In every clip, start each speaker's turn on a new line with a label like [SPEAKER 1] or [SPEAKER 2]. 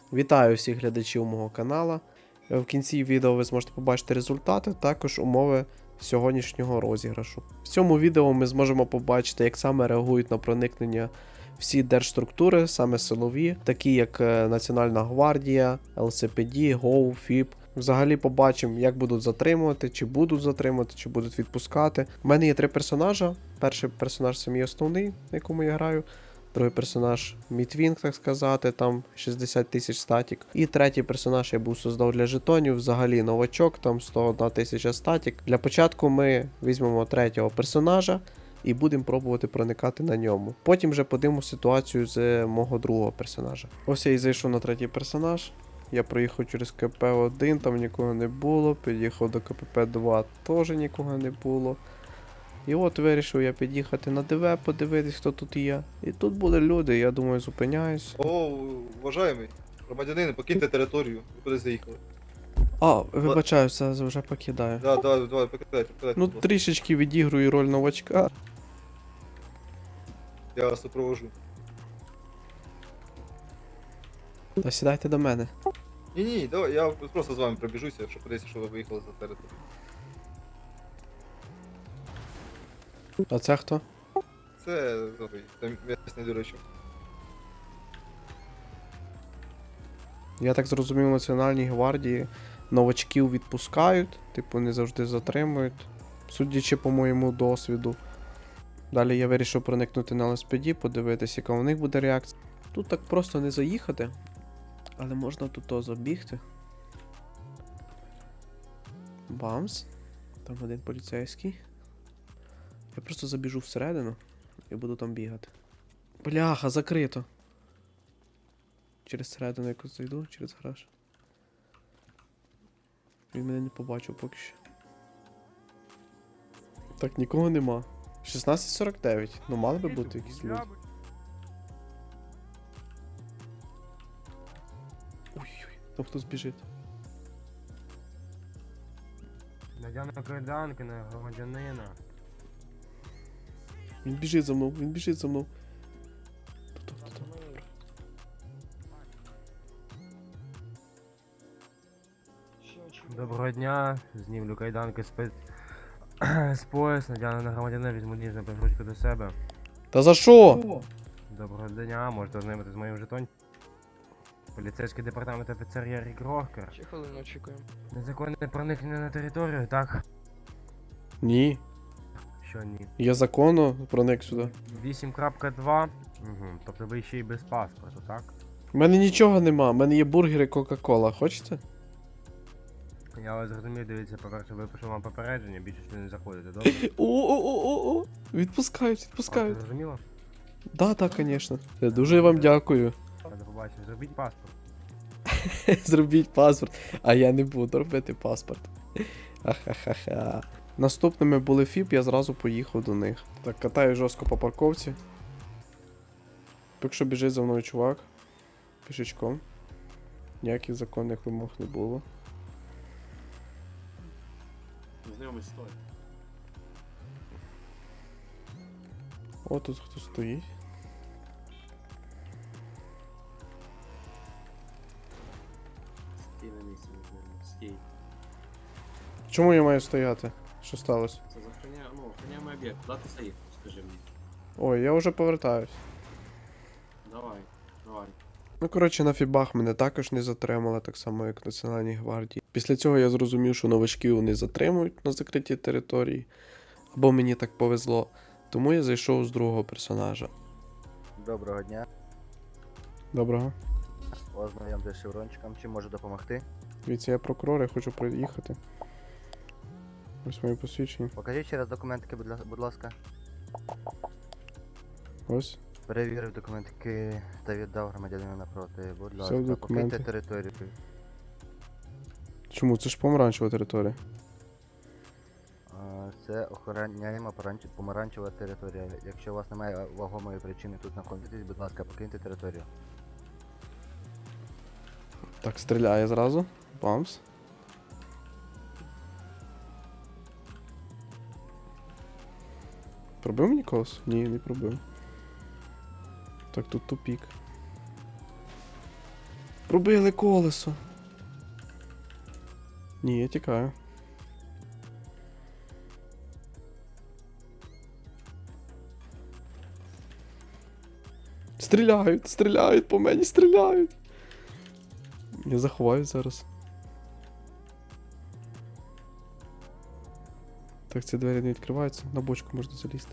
[SPEAKER 1] Вітаю всіх глядачів мого каналу. В кінці відео ви зможете побачити результати, також умови сьогоднішнього розіграшу. В цьому відео ми зможемо побачити, як саме реагують на проникнення всі держструктури, саме силові, такі як Національна гвардія, ЛСПД, ГОУ, ФІП. Взагалі побачимо, як будуть затримувати, чи будуть відпускати. У мене є 3 персонажа. Перший персонаж це мій основний, на якому я граю. Другий персонаж Мітвінг, так сказати, там 60 тисяч статік. І третій персонаж я був создав для жетонів, взагалі новачок, там 101 тисяча статік. Для початку ми візьмемо третього персонажа і будемо пробувати проникати на ньому. Потім вже подивимо ситуацію з мого другого персонажа. Ось я і зайшов на третій персонаж. Я проїхав через КП-1, там нікого не було. Під'їхав до КПП-2, теж нікого не було. І от вирішив я під'їхати на ДВ, подивитись, хто тут є. І тут були люди, я думаю, зупиняюсь.
[SPEAKER 2] О, уважаємий, громадянин, покиньте територію. Ви куди заїхали?
[SPEAKER 1] А, вибачаюся, вже покидаю.
[SPEAKER 2] Да, давай, покидайте.
[SPEAKER 1] Ну, трішечки відігрую роль новачка.
[SPEAKER 2] Я вас супровожу.
[SPEAKER 1] Та сідайте до мене.
[SPEAKER 2] Ні, давай, я просто з вами пробіжуся, щоб подивитися, що ви виїхали за територію.
[SPEAKER 1] А це хто?
[SPEAKER 2] Це місний дурачок.
[SPEAKER 1] Я так зрозумів, в Національній гвардії новачків відпускають, типу не завжди затримують. Судячи по моєму досвіду. Далі я вирішив проникнути на ЛСПД, подивитися, яка у них буде реакція. Тут так просто не заїхати, але можна тут забігти. Бамс. Там один поліцейський. Я просто забіжу всередину і буду там бігати. Бляха, закрито. Через середину якось зайду, через гараж. Він мене не побачив поки що. Так, нікого нема. 16:49. Ну мали би бути якісь люди. Ой-ой, там хтось біжить.
[SPEAKER 3] Надяна кайданки на громадянина.
[SPEAKER 1] Він біжить за мною, він біжить за мною. Тут.
[SPEAKER 3] Доброго дня, знімлю кайданки з пояс, надяну на громадянина, візьму ніжну ручку до себе.
[SPEAKER 1] Та за що?
[SPEAKER 3] Доброго дня, можете ознайомитися з моїм жетонем. Поліцейський департамент офіцер Ярі Грохкер.
[SPEAKER 4] Ще хвилину очікуємо.
[SPEAKER 3] Незаконне проникнення на територію, так?
[SPEAKER 1] Ні.
[SPEAKER 3] Що ні?
[SPEAKER 1] Я законно проник сюди.
[SPEAKER 3] 8.2. Угу. Тобто ви ще й без паспорту, так?
[SPEAKER 1] У мене нічого нема, у мене є бургери Кока-Кола, хочете?
[SPEAKER 3] Я вас зрозумів, дивіться, по-перше, випишу вам попередження, більше сюди не заходите, добре?
[SPEAKER 1] О. Відпускають.
[SPEAKER 3] Зрозуміло?
[SPEAKER 1] Да, звісно. Дуже вам дякую.
[SPEAKER 3] До побачення, зробіть паспорт.
[SPEAKER 1] Зробіть паспорт. А я не буду робити паспорт. Ха-ха-ха-ха. Наступними були ФІП, я зразу поїхав до них. Так, катаю жорстко по парковці. Поки що біжить за мною чувак. Пішечком. Ніяких законних вимог не було.
[SPEAKER 5] Знайомий стой.
[SPEAKER 1] О, тут хто стоїть.
[SPEAKER 5] Стій на місці, не стій.
[SPEAKER 1] Чому я маю стояти? Що сталося?
[SPEAKER 5] Це охороняємо об'єкт. Куди ти заїхав, скажи мені.
[SPEAKER 1] Ой, я вже повертаюсь.
[SPEAKER 5] Давай.
[SPEAKER 1] Ну, коротше, на фібах мене також не затримали, так само як в Національній гвардії. Після цього я зрозумів, що новачків не затримують на закритій території. Або мені так повезло. Тому я зайшов з другого персонажа.
[SPEAKER 6] Доброго дня.
[SPEAKER 1] Доброго.
[SPEAKER 6] Ознайомтесь з шеврончиком. Чим можу допомогти?
[SPEAKER 1] Дивіться, я прокурор, я хочу приїхати. Ось моє посвідчення.
[SPEAKER 6] Покажіть ще раз документики, будь ласка.
[SPEAKER 1] Ось.
[SPEAKER 6] Перевірив документики та віддав громадянину напроти. Будь
[SPEAKER 1] Все,
[SPEAKER 6] ласка,
[SPEAKER 1] документи.
[SPEAKER 6] покиньте територію.
[SPEAKER 1] Чому? Це ж помаранчева територія.
[SPEAKER 6] Це охороняємо помаранчева територія. Якщо у вас немає вагомої причини тут знаходитись, будь ласка, покиньте територію.
[SPEAKER 1] Так, стріляє зразу. Бамс. Пробив мені колос? Ні, не пробив. Так, тут тупік. Пробили колесо. Ні, я тікаю. Стріляють, стріляють по мені, стріляють. Я заховаю зараз. Так, ці двері не відкриваються, на бочку можна залізти.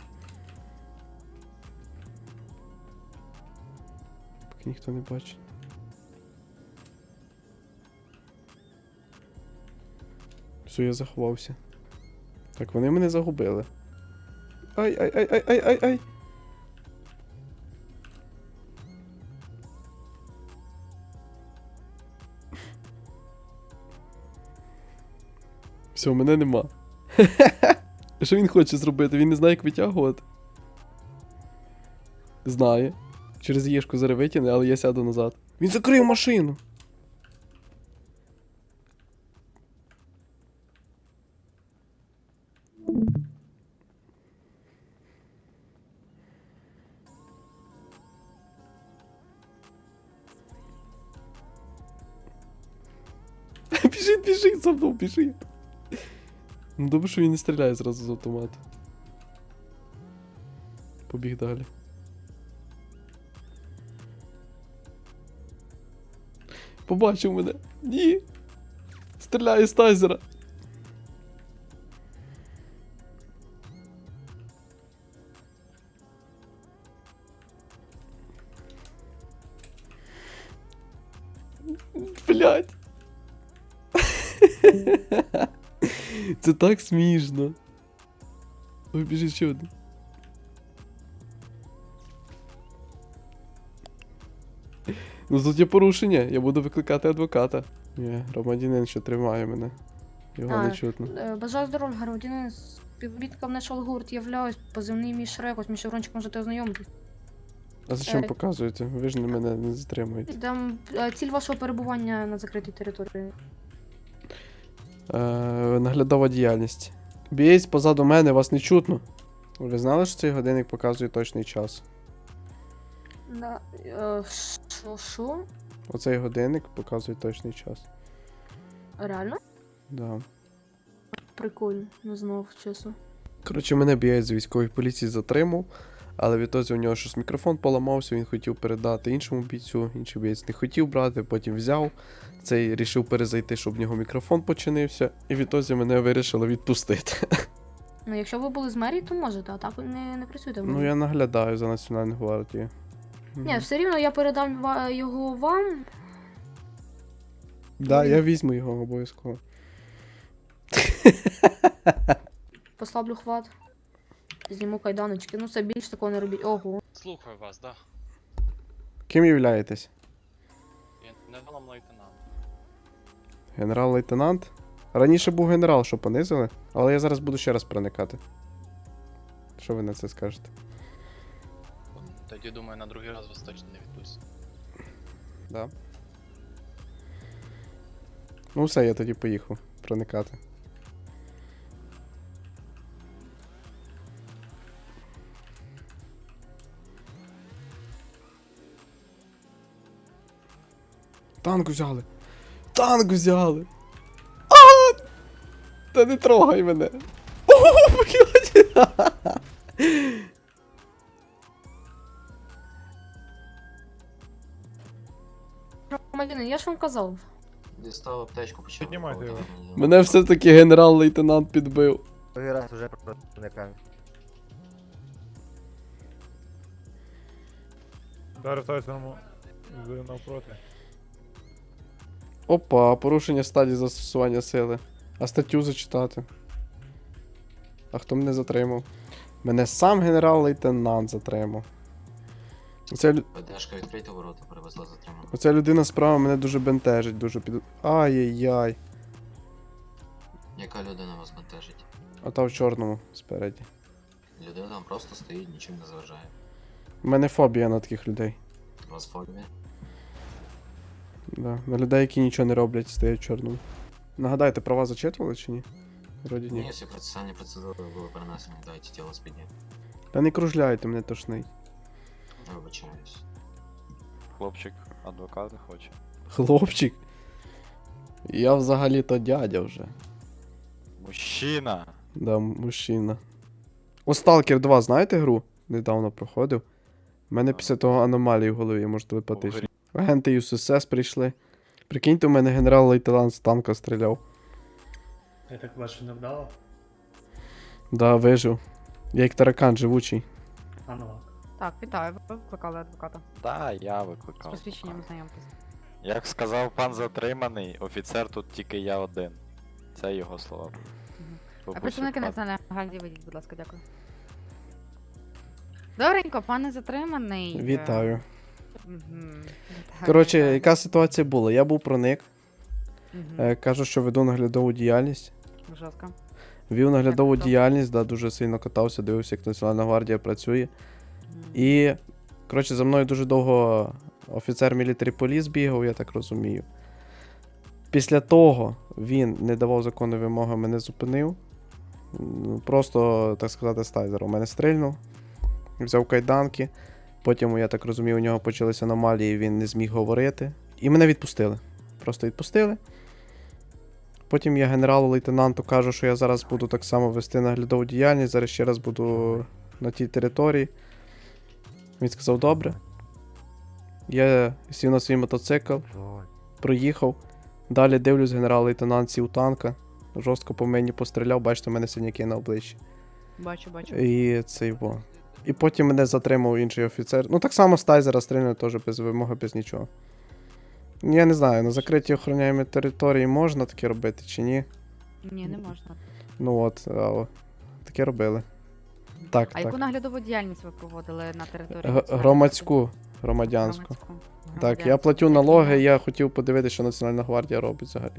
[SPEAKER 1] Поки ніхто не бачить. Все, я заховався. Так, вони мене загубили. Ай-ай-ай-ай-ай-ай-ай! Все, мене нема. Що він хоче зробити? Він не знає, як витягувати. Знає. Через Єшку зараз витягне, але я сяду назад. Він закрив машину! Біжить, біжить, за мною, біжить. Ну добре, що він не стріляє зразу з автомату. Побіг далі. Побачив мене. Ні. Стріляє з тазера. Блять. Це так смішно. Ой, біжить ще один. Ну тут є порушення, я буду викликати адвоката. Ні, громадянин ще тримає мене. Його не чутно.
[SPEAKER 4] Бажаю здоров'я, громадянин. Співробітником National Гурт являюсь, позивний мій Шрек, ось мій Шеврончик можете ознайомитись.
[SPEAKER 1] А зачем показуєте? Ви ж мене не затримуєте.
[SPEAKER 4] Там ціль вашого перебування на закритій території.
[SPEAKER 1] Наглядова діяльність. Бієць позаду мене, вас не чутно. Ви знали, що цей годинник показує точний час?
[SPEAKER 4] Да. Що?
[SPEAKER 1] Оцей годинник показує точний час.
[SPEAKER 4] Реально?
[SPEAKER 1] Да.
[SPEAKER 4] Прикольно, не знав, чесно.
[SPEAKER 1] Коротше, мене бієць з військової поліції затримав, але відтоді у нього щось мікрофон поламався, він хотів передати іншому бійцю, інший бієць не хотів брати, потім взяв. Цей рішив перезайти, щоб в нього мікрофон починився, і відтоді мене вирішили відпустити.
[SPEAKER 4] Ну, якщо ви були з мерії, то можете, а так ви не працюєте в мерії.
[SPEAKER 1] Ну я наглядаю за Національну гвардію.
[SPEAKER 4] Ні, все рівно я передам його вам.
[SPEAKER 1] Да, я візьму його обов'язково.
[SPEAKER 4] Послаблю хват. Зніму кайданочки. Ну, це більш такого не робіть. Ого.
[SPEAKER 7] Слухаю вас, да.
[SPEAKER 1] Ким являєтесь?
[SPEAKER 7] Генералом лейтенант.
[SPEAKER 1] Генерал-лейтенант? Раніше був генерал, що понизили, але я зараз буду ще раз проникати. Що ви на це скажете?
[SPEAKER 7] Тоді, думаю, на другий раз вас точно не відпустять.
[SPEAKER 1] Да. Ну все, я тоді поїхав проникати. Танк взяли! Танк взяли! А! Та не трогай мене! О, блядь!
[SPEAKER 4] Громадянин, я ж вам казав.
[SPEAKER 5] Дістав аптечку, почав.
[SPEAKER 8] Піднімайте його.
[SPEAKER 1] Мене все-таки генерал-лейтенант підбив.
[SPEAKER 6] Другий раз уже проникаю.
[SPEAKER 8] Зараз тайсерому навпроти.
[SPEAKER 1] Опа, порушення стадії застосування сили. А статтю зачитати. А хто мене затримав? Мене сам генерал-лейтенант затримав.
[SPEAKER 5] ПДшка відкрийте ворота, перевезла затриману.
[SPEAKER 1] Оця людина справа мене дуже бентежить, дуже під... Ай-яй-яй.
[SPEAKER 5] Яка людина вас бентежить?
[SPEAKER 1] А та в чорному спереді.
[SPEAKER 5] Людина там просто стоїть, нічим не заважає.
[SPEAKER 1] У мене фобія на таких людей.
[SPEAKER 5] У вас фобія?
[SPEAKER 1] Да. На людей, які нічого не роблять, стоять в чорному. Нагадайте, права зачитували чи ні? Вроді ні.
[SPEAKER 5] Ні, всі процесуальні процедури були перенесені, дайте тіло спідні.
[SPEAKER 1] Та не кружляйте, мене тошнить.
[SPEAKER 5] Вибачаюсь.
[SPEAKER 9] Хлопчик адвоката хоче.
[SPEAKER 1] Хлопчик. Я взагалі-то дядя вже.
[SPEAKER 9] Мужчина.
[SPEAKER 1] Да, мужчина. О, Stalker 2, знаєте гру? Недавно проходив. У мене після того аномалії в голові, може телепатично. Агенти ЮСС прийшли. Прикиньте, у мене генерал-лейтенант з танка стріляв.
[SPEAKER 5] Я так бачу, не вдало?
[SPEAKER 1] Да, вижив. Я як таракан живучий.
[SPEAKER 5] Аналог.
[SPEAKER 4] Так, вітаю, ви викликали адвоката.
[SPEAKER 9] Да, я
[SPEAKER 4] З
[SPEAKER 9] викликав.
[SPEAKER 4] посвідченням знайомтесь.
[SPEAKER 9] Як сказав пан затриманий, офіцер тут тільки я один. Це його слова.
[SPEAKER 4] А
[SPEAKER 9] Бабусю,
[SPEAKER 4] представники
[SPEAKER 9] пан-
[SPEAKER 4] Національної гвардії, вийдіть, будь ласка, дякую. Добренько, пане затриманий.
[SPEAKER 1] Вітаю.
[SPEAKER 4] Мгм.
[SPEAKER 1] Коротше,
[SPEAKER 4] Вітаю.
[SPEAKER 1] яка ситуація була? Я був проник.
[SPEAKER 4] Мгм.
[SPEAKER 1] Кажу, що веду наглядову діяльність.
[SPEAKER 4] Жорстко.
[SPEAKER 1] Вів наглядову
[SPEAKER 4] Як то?
[SPEAKER 1] діяльність, да, дуже сильно катався, дивився, як Національна гвардія працює.
[SPEAKER 4] Мгм.
[SPEAKER 1] І, коротше, за мною дуже довго офіцер мілітарі поліс бігав, я так розумію. Після того він не давав законної вимоги, мене зупинив. Просто, так сказати, стайзером. У мене стрільнув, взяв кайданки. Потім, я так розумію, у нього почалися аномалії, він не зміг говорити. І мене відпустили. Просто відпустили. Потім я генералу-лейтенанту кажу, що я зараз буду так само вести наглядову діяльність, зараз ще раз буду на тій території. Він сказав, добре. Я сів на свій мотоцикл,
[SPEAKER 3] Жодь.
[SPEAKER 1] проїхав. Далі дивлюсь, генерал-лейтенант сів танка. Жорстко по мені постріляв, бачите, у мене синяки на обличчі.
[SPEAKER 4] Бачу, бачу.
[SPEAKER 1] І цей во. І потім мене затримав інший офіцер. Ну так само з тайзера стрільнув теж без вимоги, без нічого. Я не знаю, на закритій охороняємій території можна таке робити чи ні.
[SPEAKER 4] Ні, не можна.
[SPEAKER 1] Ну от, таке робили. Так,
[SPEAKER 4] А
[SPEAKER 1] так.
[SPEAKER 4] яку наглядову діяльність ви проводили на території?
[SPEAKER 1] Г-
[SPEAKER 4] Національної
[SPEAKER 1] Громадську, громадянську.
[SPEAKER 4] Громадську.
[SPEAKER 1] Так, я
[SPEAKER 4] Громадянську.
[SPEAKER 1] платю
[SPEAKER 4] Які
[SPEAKER 1] налоги,
[SPEAKER 4] на-
[SPEAKER 1] я хотів подивитися, що Національна гвардія робить взагалі.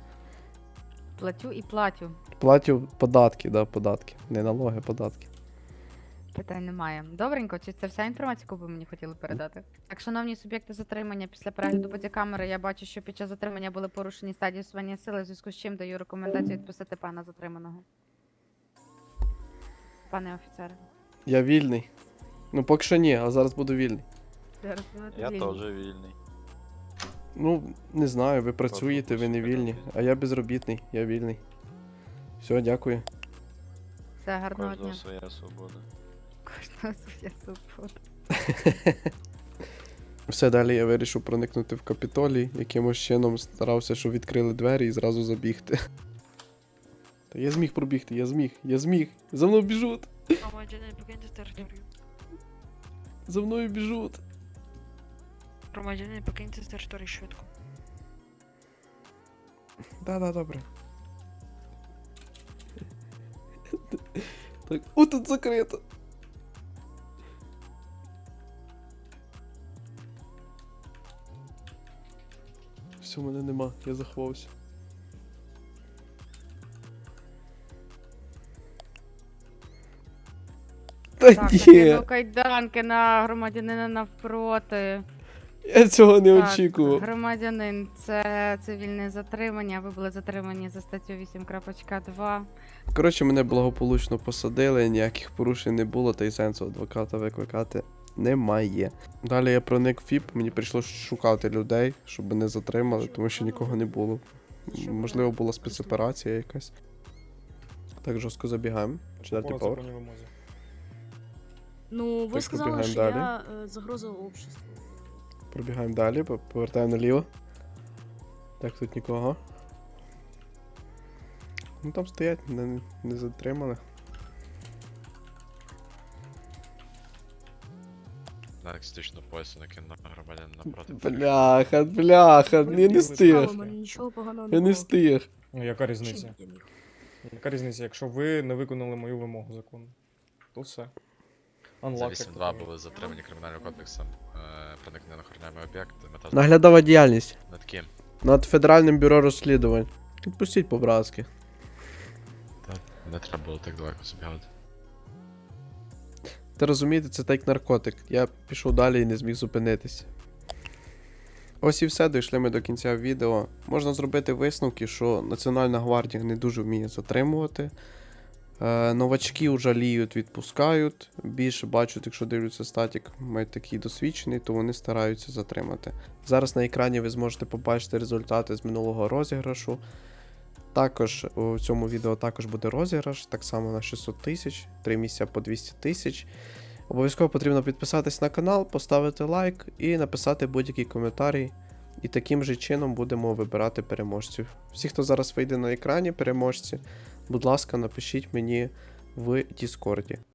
[SPEAKER 4] Платю і платю.
[SPEAKER 1] Платю податки, да, податки. Не налоги, податки.
[SPEAKER 4] Питань немає. Добренько, чи це вся інформація, яку ви мені хотіли передати? Так, шановні суб'єкти затримання, після перегляду бодікамери я бачу, що під час затримання були порушені стадії усування сили, в зв'язку з чим даю рекомендацію відпустити пана затриманого. Пане офіцере.
[SPEAKER 1] Я вільний. Ну, поки що ні, а зараз буду вільний.
[SPEAKER 4] Зараз будете
[SPEAKER 9] Я
[SPEAKER 4] вільні.
[SPEAKER 9] теж вільний.
[SPEAKER 1] Ну, не знаю, ви працюєте, ви не вільні, а я безробітний, я вільний. Все, дякую.
[SPEAKER 4] Все, гарного
[SPEAKER 9] Кожного
[SPEAKER 4] дня.
[SPEAKER 9] своя свобода.
[SPEAKER 4] Кожного своя свобода.
[SPEAKER 1] Все, далі я вирішив проникнути в Капітолій, якимось чином старався, щоб відкрили двері і зразу забігти. Та я зміг пробігти, я зміг. За мною біжуть,
[SPEAKER 10] Громадянин, покиньте територію.
[SPEAKER 1] за мною біжуть.
[SPEAKER 10] Громадянин, покиньте територію швидко.
[SPEAKER 1] Да, добре. Так, о, тут закрито. Все, мене нема, я заховався. Та
[SPEAKER 4] Так,
[SPEAKER 1] ні,
[SPEAKER 4] накинув кайданки на громадянина навпроти.
[SPEAKER 1] я цього не
[SPEAKER 4] Так,
[SPEAKER 1] очікував.
[SPEAKER 4] Громадянин, це цивільне затримання. Ви були затримані за статтю 8.2.
[SPEAKER 1] Коротше, мене благополучно посадили, ніяких порушень не було, та й сенсу адвоката викликати немає. Далі я проник в ФІП, мені прийшлося шукати людей, щоб мене затримали, тому що нікого не було. Можливо, була спецоперація якась. Так, жорстко забігаємо. Четвертий
[SPEAKER 8] По
[SPEAKER 1] поверх.
[SPEAKER 8] законній вимозі.
[SPEAKER 10] Ну, ви
[SPEAKER 1] Так,
[SPEAKER 10] сказали,
[SPEAKER 1] пробігаємо
[SPEAKER 10] що
[SPEAKER 1] далі.
[SPEAKER 10] я загроза обществу.
[SPEAKER 1] Пробігаємо далі, повертаємо наліво. Так, тут нікого. Ну там стоять, не затримали.
[SPEAKER 7] Так, стично поясу накинув на громадян напроти.
[SPEAKER 1] Бляха, я не встиг.
[SPEAKER 10] У мене нічого поганого
[SPEAKER 1] Я не
[SPEAKER 10] було.
[SPEAKER 1] встиг.
[SPEAKER 8] Ну, яка різниця?
[SPEAKER 10] Чим я міг?
[SPEAKER 8] Яка різниця, якщо ви не виконали мою вимогу закону? То все.
[SPEAKER 7] За
[SPEAKER 8] Unlock, як
[SPEAKER 7] 8-2
[SPEAKER 8] то
[SPEAKER 7] були затримані кримінальним кодексом проникнення на охороняємий об'єкт. Мета
[SPEAKER 1] Наглядова діяльність.
[SPEAKER 7] над ким?
[SPEAKER 1] Над Федеральним бюро розслідувань. Відпустіть по-братськи.
[SPEAKER 7] Так, не треба було так далеко забігати.
[SPEAKER 1] Та розумієте, це так як наркотик. Я пішов далі і не зміг зупинитись. Ось і все, дійшли ми до кінця відео. Можна зробити висновки, що Національна гвардія не дуже вміє затримувати. Новачки жаліють, відпускають. Більше бачать, якщо дивляться статік, мають такий досвідчений, то вони стараються затримати. Зараз на екрані ви зможете побачити результати з минулого розіграшу. Також у цьому відео також буде розіграш, так само на 600 тисяч, 3 місця по 200 тисяч. Обов'язково потрібно підписатись на канал, поставити лайк і написати будь-який коментарій. І таким же чином будемо вибирати переможців. Всі, хто зараз вийде на екрані, переможці, будь ласка, напишіть мені в Діскорді.